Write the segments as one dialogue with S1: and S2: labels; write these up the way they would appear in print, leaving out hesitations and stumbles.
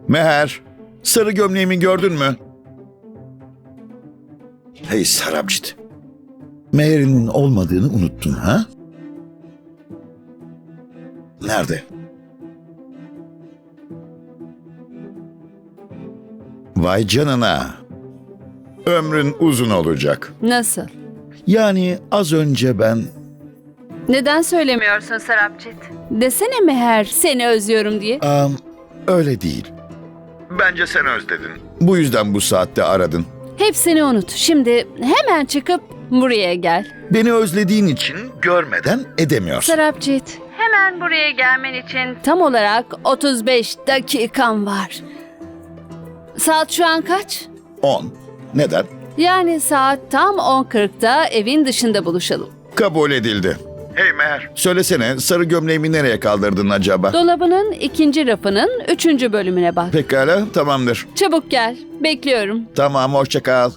S1: Meher, sarı gömleğimi gördün mü? Hey Sarabjit, Meher'in olmadığını unuttun ha? Nerede? Vay canına. Ömrün uzun olacak.
S2: Nasıl?
S1: Yani az önce ben...
S2: Neden söylemiyorsun Sarapcit? Desene Meher seni özlüyorum diye.
S1: Öyle değil. Bence sen özledin. Bu yüzden bu saatte aradın.
S2: Hepsini unut. Şimdi hemen çıkıp buraya gel.
S1: Beni özlediğin için görmeden edemiyorsun.
S2: Sarapcit, hemen buraya gelmen için tam olarak 35 dakikan var. Saat şu an kaç?
S1: 10. Neden?
S2: Yani saat tam 10.40'da evin dışında buluşalım.
S1: Kabul edildi. Hey Meher. Söylesene, sarı gömleğimi nereye kaldırdın acaba?
S2: Dolabının ikinci rafının 3. bölümüne bak.
S1: Pekala, tamamdır.
S2: Çabuk gel. Bekliyorum.
S1: Tamam, hoşça kal.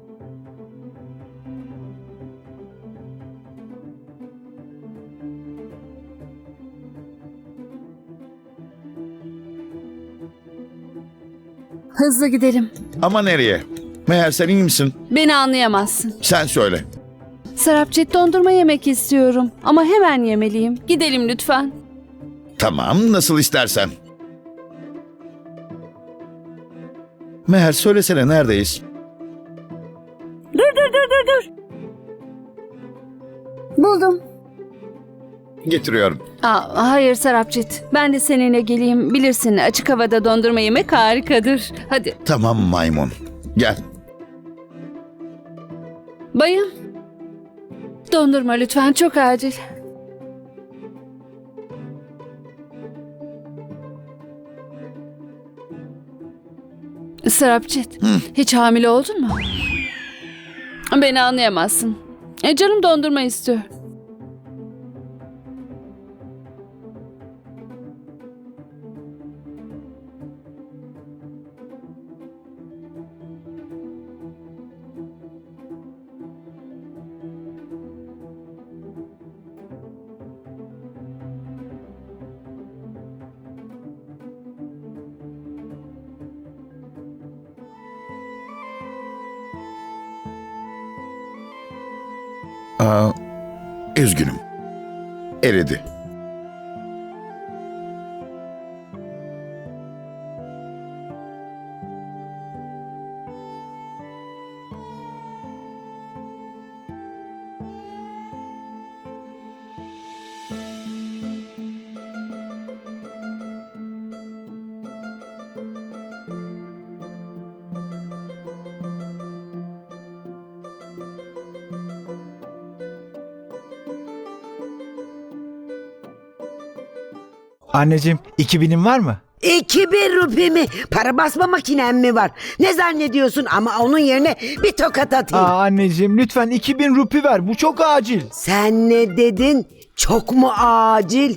S2: Hızlı gidelim.
S1: Ama nereye? Meher, sen iyi misin?
S2: Beni anlayamazsın.
S1: Sen söyle.
S2: Sarapcit, dondurma yemek istiyorum. Ama hemen yemeliyim. Gidelim lütfen.
S1: Tamam, nasıl istersen. Meher, söylesene, neredeyiz?
S2: Dur. Buldum.
S1: Getiriyorum.
S2: Hayır Sarapcit. Ben de seninle geleyim. Bilirsin, açık havada dondurma yemek harikadır. Hadi.
S1: Tamam maymun. Gel.
S2: Bayım. Dondurma lütfen, çok acil. Sarapcit, hiç hamile oldun mu? Beni anlayamazsın. Canım dondurma istiyor.
S1: Üzgünüm. Eridi.
S3: Anneciğim 2000'in var mı?
S4: 2000 rupi mi? Para basma makinen mi var? Ne zannediyorsun, ama onun yerine bir tokat atayım.
S3: Anneciğim lütfen 2000 rupi ver, bu çok acil.
S4: Sen ne dedin? Çok mu acil?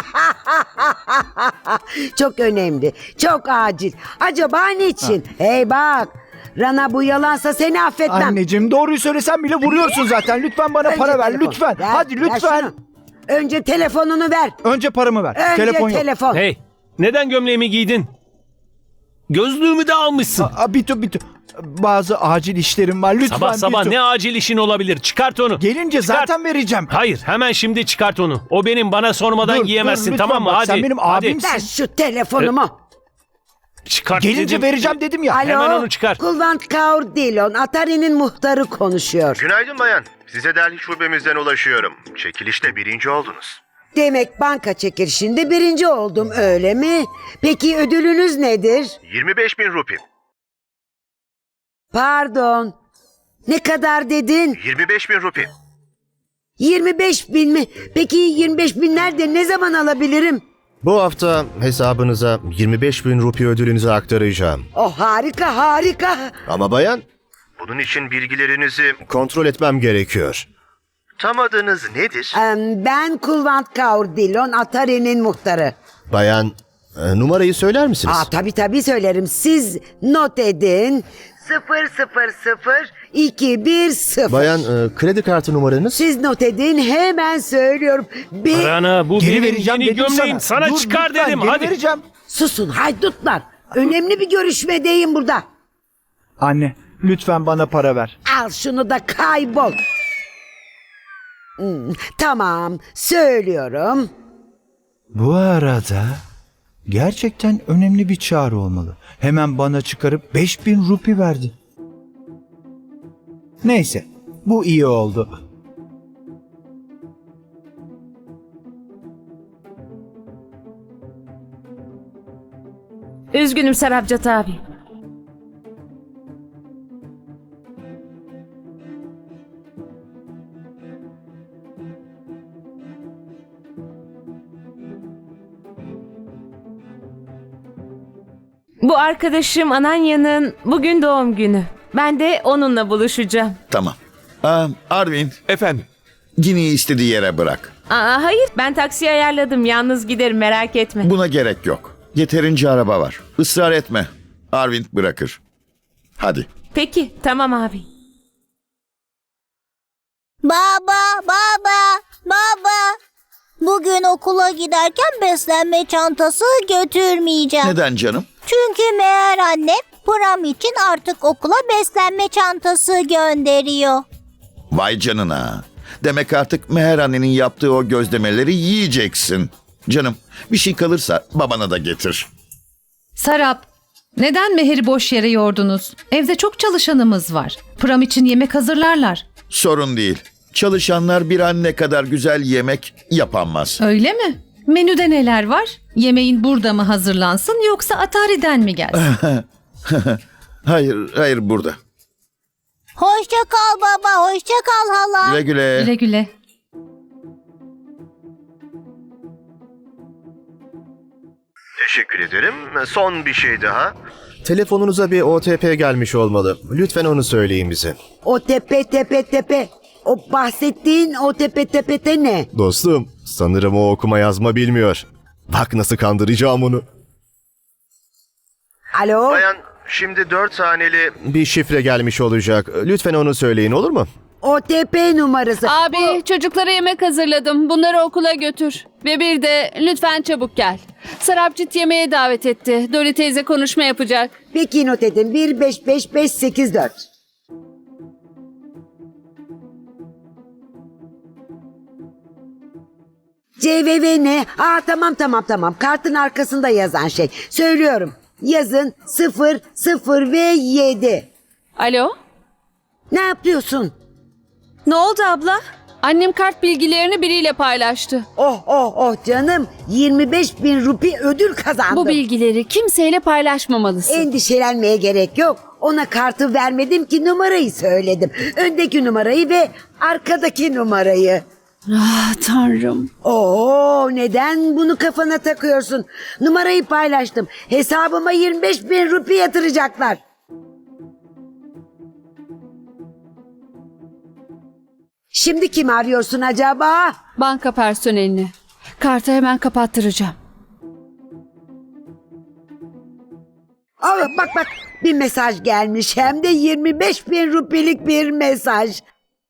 S4: Çok önemli, çok acil. Acaba niçin? Hey bak, Rana, bu yalansa seni affetmem.
S3: Anneciğim doğruyu söylesen bile vuruyorsun zaten, lütfen bana
S4: Önce
S3: para ver
S4: telefon.
S3: lütfen.
S4: Ver,
S3: Hadi
S4: ver
S3: lütfen.
S4: şunu. Önce telefonunu ver.
S3: Önce paramı ver.
S4: Önce
S3: Telefon yok.
S4: telefon.
S5: Hey, neden gömleğimi giydin? Gözlüğümü de almışsın.
S3: Bitu. Bazı acil işlerim var lütfen.
S5: Sabah sabah
S3: Bitu.
S5: ne acil işin olabilir? Çıkart onu.
S3: Gelince
S5: Çıkart.
S3: zaten vereceğim.
S5: Hayır, hemen şimdi çıkart onu. O benim, bana sormadan
S3: Dur,
S5: giyemezsin,
S3: lütfen
S5: tamam mı?
S3: bak,
S5: Hadi.
S3: sen benim
S5: hadi.
S3: abimsin.
S4: Ver şu telefonumu.
S5: Çıkart
S3: Gelince
S5: dedim.
S3: vereceğim dedim ya.
S4: Alo,
S5: Hemen onu çıkar.
S4: Kulvant Kaur Dillon, Atari'nin muhtarı konuşuyor.
S6: Günaydın bayan. Size Delhi şubemizden ulaşıyorum. Çekilişte birinci oldunuz.
S4: Demek banka çekilişinde birinci oldum, öyle mi? Peki ödülünüz nedir?
S6: 25.000 rupi.
S4: Pardon. Ne kadar dedin?
S6: 25.000 rupi.
S4: 25 bin mi? Peki 25 bin nerede? Ne zaman alabilirim?
S7: Bu hafta hesabınıza 25.000 rupi ödülünüzü aktaracağım.
S4: Oh, harika harika.
S7: Ama bayan,
S6: Bunun için bilgilerinizi...
S7: kontrol etmem gerekiyor.
S6: Tam adınız nedir?
S4: Ben Kulvant Kaur Dillon, Atari'nin muhtarı.
S7: Bayan, numarayı söyler misiniz?
S4: Tabii söylerim. Siz not edin. 000210.
S7: Bayan, kredi kartı numaranız?
S4: Siz not edin, hemen söylüyorum.
S5: Rana, bu
S3: Geri
S5: benim
S3: vereceğim
S5: yeni
S3: dedim
S5: gömleğim. Sana
S3: Dur,
S5: çıkar
S3: lütfen,
S5: dedim.
S3: geri
S5: Hadi.
S3: vereceğim.
S4: Susun haydutlar. Önemli bir görüşmedeyim burada.
S3: Anne, lütfen bana para ver.
S4: Al şunu da kaybol. Tamam, söylüyorum.
S3: Bu arada gerçekten önemli bir çağrı olmalı. Hemen bana çıkarıp 5000 rupi verdi. Neyse, bu iyi oldu.
S8: Üzgünüm Sarabcat abi. Bu arkadaşım Ananya'nın bugün doğum günü. Ben de onunla buluşacağım.
S1: Tamam. Arvind,
S5: Efendim?
S1: Gini'yi istediği yere bırak.
S8: Hayır, ben taksi ayarladım. Yalnız giderim, merak etme.
S1: Buna gerek yok. Yeterince araba var. Israr etme. Arvind bırakır. Hadi.
S8: Peki, tamam abi.
S9: Baba, baba, baba. Bugün okula giderken beslenme çantası götürmeyeceğim.
S1: Neden canım?
S9: Çünkü meğer annem pram için artık okula beslenme çantası gönderiyor.
S1: Vay canına. Demek artık Meher annenin yaptığı o gözlemeleri yiyeceksin. Canım, bir şey kalırsa babana da getir.
S10: Sarap, neden Meher'i boş yere yordunuz? Evde çok çalışanımız var. Pram için yemek hazırlarlar.
S1: Sorun değil. Çalışanlar bir anne kadar güzel yemek yapamaz.
S10: Öyle mi? Menüde neler var? Yemeğin burada mı hazırlansın yoksa Atari'den mi gelsin?
S1: Hayır burada.
S9: Hoşça kal baba, hoşça kal hala.
S1: Güle güle.
S10: Güle güle.
S6: Teşekkür ederim. Son bir şey daha.
S7: Telefonunuza bir OTP gelmiş olmalı. Lütfen onu söyleyin bize.
S4: O tepe. O bahsettiğin o tepe ne?
S7: Dostum, sanırım o okuma yazma bilmiyor. Bak nasıl kandıracağım onu.
S4: Alo?
S6: Bayan, şimdi 4 haneli
S7: Bir şifre gelmiş olacak. Lütfen onu söyleyin, olur mu?
S4: OTP numarası.
S2: Abi çocuklara yemek hazırladım. Bunları okula götür. Ve bir de lütfen çabuk gel. Sarapcit yemeğe davet etti. Dori teyze konuşma yapacak.
S4: Peki not edin. 155584. CVV ne? Tamam. Kartın arkasında yazan şey. Söylüyorum. Yazın 0 ve 7.
S2: Alo?
S4: Ne yapıyorsun?
S8: Ne oldu abla?
S2: Annem kart bilgilerini biriyle paylaştı.
S4: Oh canım. 25.000 rupi ödül kazandım.
S2: Bu bilgileri kimseyle paylaşmamalısın.
S4: Endişelenmeye gerek yok. Ona kartı vermedim ki numarayı söyledim. Öndeki numarayı ve arkadaki numarayı.
S2: Ah tanrım.
S4: Neden bunu kafana takıyorsun? Numarayı paylaştım. Hesabıma 25.000 rupi yatıracaklar. Şimdi kim arıyorsun acaba?
S2: Banka personelini. Kartı hemen kapattıracağım.
S4: Bak bir mesaj gelmiş, hem de 25.000 rupilik bir mesaj.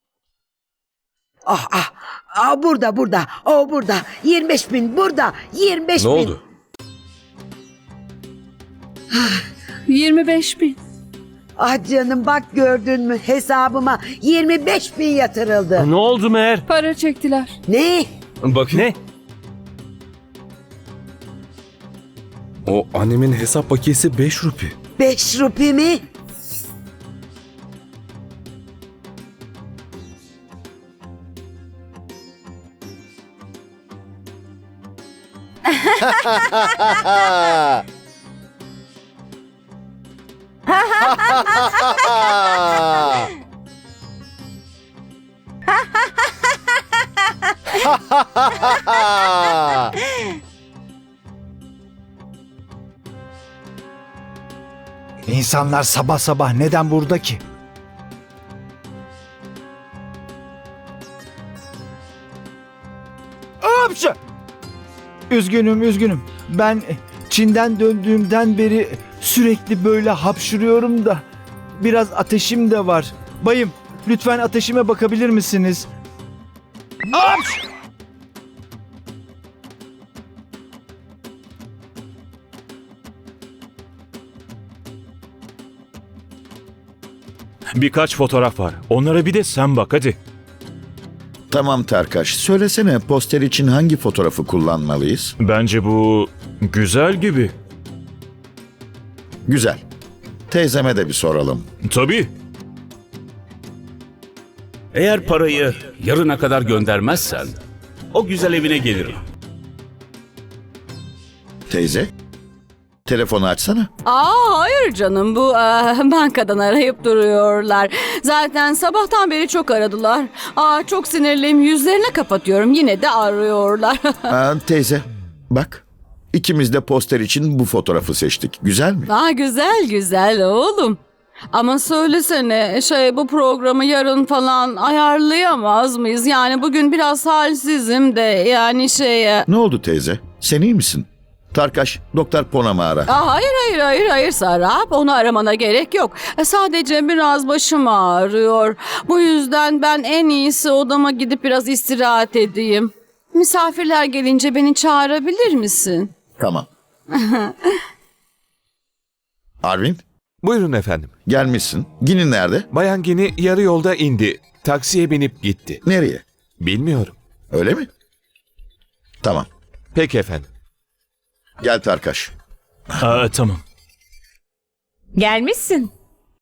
S4: Burada. Burada. 25.000 burada. 25.000.
S5: Ne oldu?
S2: 25.000.
S4: Canım bak, gördün mü, hesabıma 25.000 yatırıldı.
S5: Ne oldu Meher?
S2: Para çektiler.
S4: Ne?
S5: Bakayım. Ne?
S11: O annemin hesap bakiyesi 5 rupi.
S4: 5 rupi mi?
S3: İnsanlar sabah sabah neden burada ki? Hapşa! Üzgünüm. Ben Çin'den döndüğümden beri sürekli böyle hapşırıyorum da biraz ateşim de var. Bayım, lütfen ateşime bakabilir misiniz? Hapş!
S12: Birkaç fotoğraf var. Onlara bir de sen bak hadi.
S1: Tamam Tarkaş, söylesene poster için hangi fotoğrafı kullanmalıyız?
S12: Bence bu güzel gibi.
S1: Güzel. Teyzeme de bir soralım.
S12: Tabii.
S13: Eğer parayı yarına kadar göndermezsen o güzel evine gelirim.
S1: Teyze, telefonu açsana.
S2: Hayır canım, bu bankadan arayıp duruyorlar. Zaten sabahtan beri çok aradılar. Çok sinirliyim, yüzlerine kapatıyorum, yine de arıyorlar.
S1: Teyze, bak. İkimiz de poster için bu fotoğrafı seçtik. Güzel mi?
S2: Güzel güzel oğlum. Ama söylesene bu programı yarın falan ayarlayamaz mıyız? Yani bugün biraz halsizim de yani
S1: Ne oldu teyze? Sen iyi misin? Tarkaş, Doktor Ponam'ı ara.
S2: Hayır Sarap, onu aramana gerek yok. Sadece biraz başım ağrıyor. Bu yüzden ben en iyisi odama gidip biraz istirahat edeyim. Misafirler gelince beni çağırabilir misin?
S1: Tamam. Arvind,
S14: Buyurun efendim.
S1: gelmişsin. Gini nerede?
S14: Bayan Gini yarı yolda indi. Taksiye binip gitti.
S1: Nereye?
S14: Bilmiyorum.
S1: Öyle mi? Tamam.
S14: Peki efendim.
S1: Gel Tarkaş.
S12: Tamam.
S8: Gelmişsin.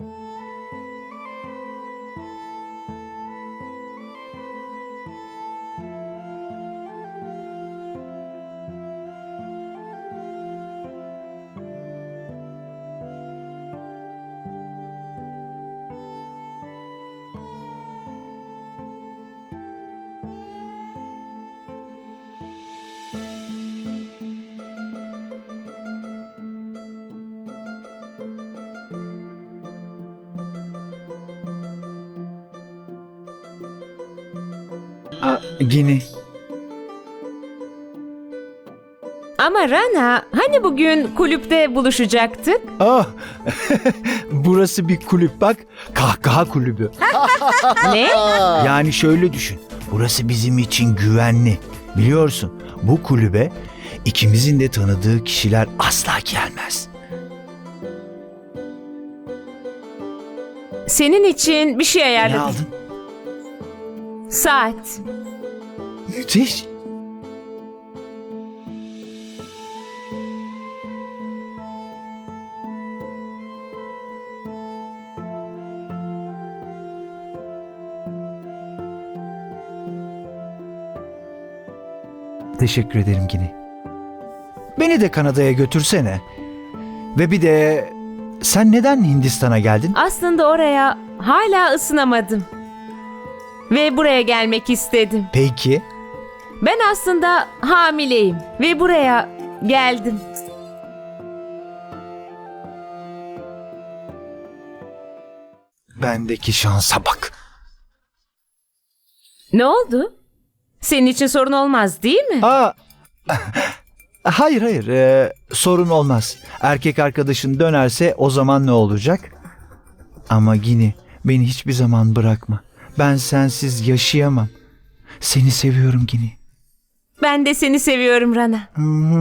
S3: Gini.
S8: Ama Rana, hani bugün kulüpte buluşacaktık?
S3: Burası bir kulüp bak. Kahkaha kulübü.
S8: Ne?
S3: Yani şöyle düşün. Burası bizim için güvenli. Biliyorsun, bu kulübe ikimizin de tanıdığı kişiler asla gelmez.
S8: Senin için bir şey
S3: Ne
S8: ayarladım.
S3: aldın?
S8: Saat.
S3: Müthiş. Teşekkür ederim Gini. Beni de Kanada'ya götürsene. Ve bir de sen neden Hindistan'a geldin?
S8: Aslında oraya hala ısınamadım. Ve buraya gelmek istedim.
S3: Peki.
S8: Ben aslında hamileyim ve buraya geldim.
S3: Bendeki şansa bak.
S8: Ne oldu? Senin için sorun olmaz değil mi?
S3: Hayır, sorun olmaz. Erkek arkadaşın dönerse o zaman ne olacak? Ama Gini, beni hiçbir zaman bırakma. Ben sensiz yaşayamam. Seni seviyorum Gini.
S8: Ben de seni seviyorum Rana.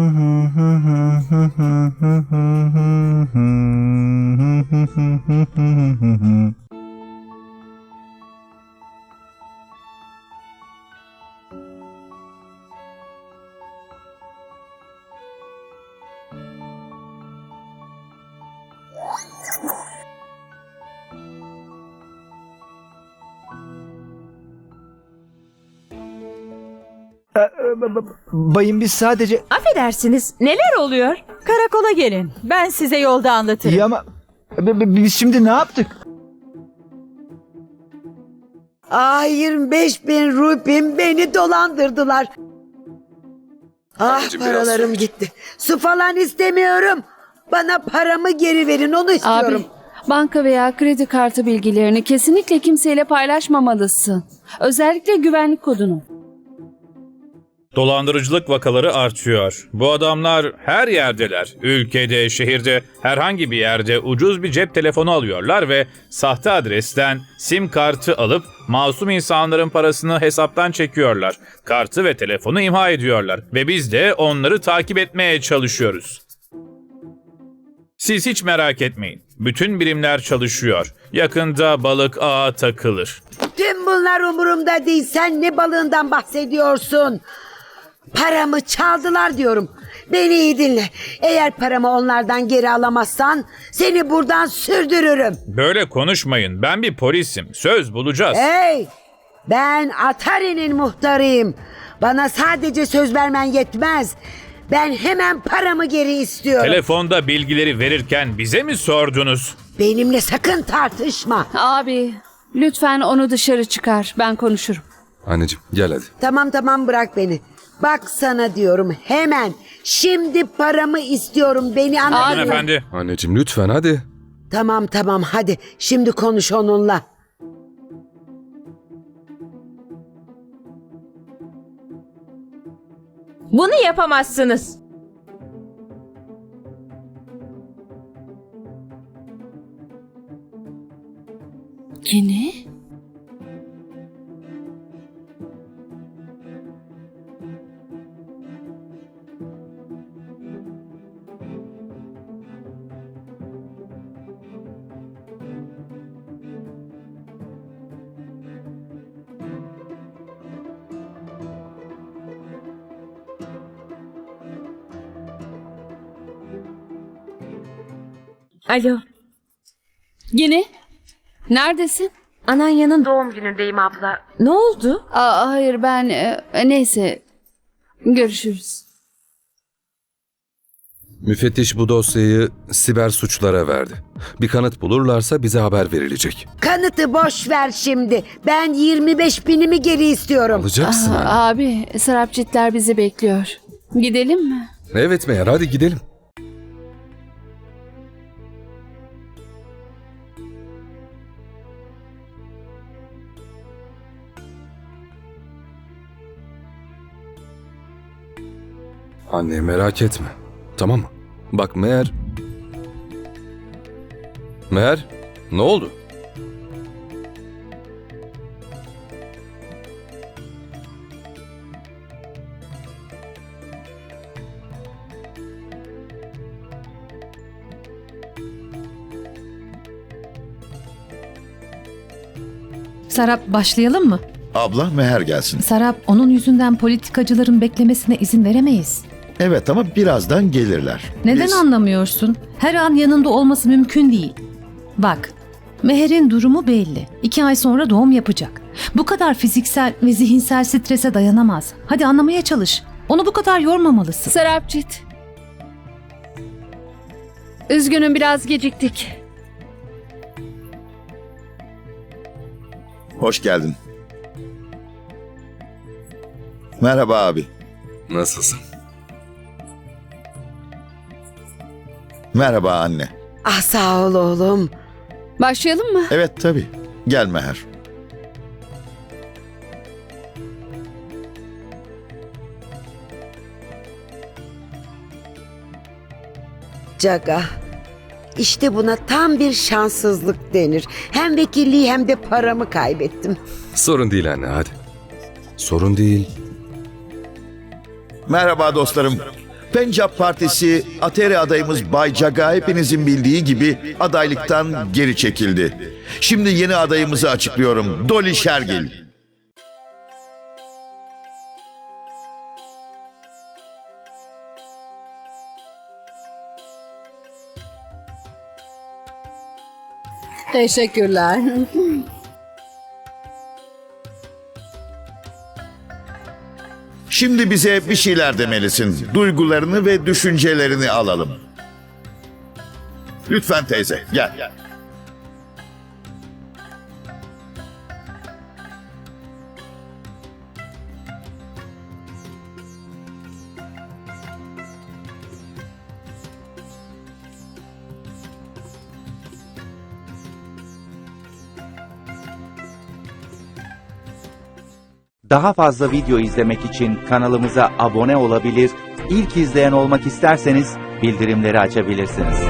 S3: Bayım biz sadece...
S8: Affedersiniz, neler oluyor?
S2: Karakola gelin. Ben size yolda anlatırım.
S3: İyi ama biz şimdi ne yaptık?
S4: 25.000 rupim beni dolandırdılar. Paralarım gitti. Su falan istemiyorum. Bana paramı geri verin, onu istiyorum.
S2: Banka veya kredi kartı bilgilerini kesinlikle kimseyle paylaşmamalısın. Özellikle güvenlik kodunu.
S15: Dolandırıcılık vakaları artıyor. Bu adamlar her yerdeler. Ülkede, şehirde, herhangi bir yerde ucuz bir cep telefonu alıyorlar ve sahte adresten sim kartı alıp masum insanların parasını hesaptan çekiyorlar. Kartı ve telefonu imha ediyorlar ve biz de onları takip etmeye çalışıyoruz. Siz hiç merak etmeyin. Bütün birimler çalışıyor. Yakında balık ağa takılır.
S4: Tüm bunlar umurumda değil. Sen ne balığından bahsediyorsun? Paramı çaldılar diyorum. Beni iyi dinle. Eğer paramı onlardan geri alamazsan seni buradan sürdürürüm.
S15: Böyle konuşmayın. Ben bir polisim. Söz bulacağız.
S4: Hey! Ben Atari'nin muhtarıyım. Bana sadece söz vermen yetmez. Ben hemen paramı geri istiyorum.
S15: Telefonda bilgileri verirken bize mi sordunuz?
S4: Benimle sakın tartışma.
S2: Abi lütfen onu dışarı çıkar. Ben konuşurum.
S11: Anneciğim gel hadi.
S4: Tamam bırak beni. Bak sana diyorum hemen. Şimdi paramı istiyorum. Beni anladın mı?
S15: Hanımefendi.
S11: Anneciğim lütfen hadi.
S4: Tamam hadi. Şimdi konuş onunla.
S8: Bunu yapamazsınız.
S2: Yine?
S8: Alo.
S2: Yine? Neredesin?
S8: Ananya'nın doğum günündeyim abla. Ne oldu?
S2: Hayır ben neyse görüşürüz.
S11: Müfettiş bu dosyayı siber suçlara verdi. Bir kanıt bulurlarsa bize haber verilecek.
S4: Kanıtı boş ver şimdi. Ben 25.000'imi geri istiyorum.
S11: Alacaksın anne.
S2: Abi Sarapcitler bizi bekliyor. Gidelim mi?
S11: Evet Meğer hadi gidelim. Anne merak etme. Tamam mı? Bak Meğer... Meğer ne oldu?
S10: Sarap başlayalım mı?
S1: Abla Meher gelsin.
S10: Sarap onun yüzünden politikacıların beklemesine izin veremeyiz.
S1: Evet ama birazdan gelirler.
S10: Neden
S1: Biz-
S10: anlamıyorsun? Her an yanında olması mümkün değil. Bak, Meher'in durumu belli. 2 ay sonra doğum yapacak. Bu kadar fiziksel ve zihinsel strese dayanamaz. Hadi anlamaya çalış. Onu bu kadar yormamalısın.
S2: Sarapcit. Üzgünüm biraz geciktik.
S1: Hoş geldin. Merhaba abi.
S11: Nasılsın?
S1: Merhaba anne.
S4: Ah sağ ol oğlum.
S2: Başlayalım mı?
S1: Evet tabii. Gel Meher.
S4: Caga. İşte buna tam bir şanssızlık denir. Hem vekilliği hem de paramı kaybettim.
S11: Sorun değil anne hadi. Sorun değil.
S1: Merhaba dostlarım. Pencap Partisi Ateri adayımız Bay Jaga hepinizin bildiği gibi adaylıktan geri çekildi. Şimdi yeni adayımızı açıklıyorum. Dolly Shergill.
S2: Teşekkürler.
S1: Şimdi bize bir şeyler demelisin. Duygularını ve düşüncelerini alalım. Lütfen teyze, gel.
S16: Daha fazla video izlemek için kanalımıza abone olabilir, ilk izleyen olmak isterseniz bildirimleri açabilirsiniz.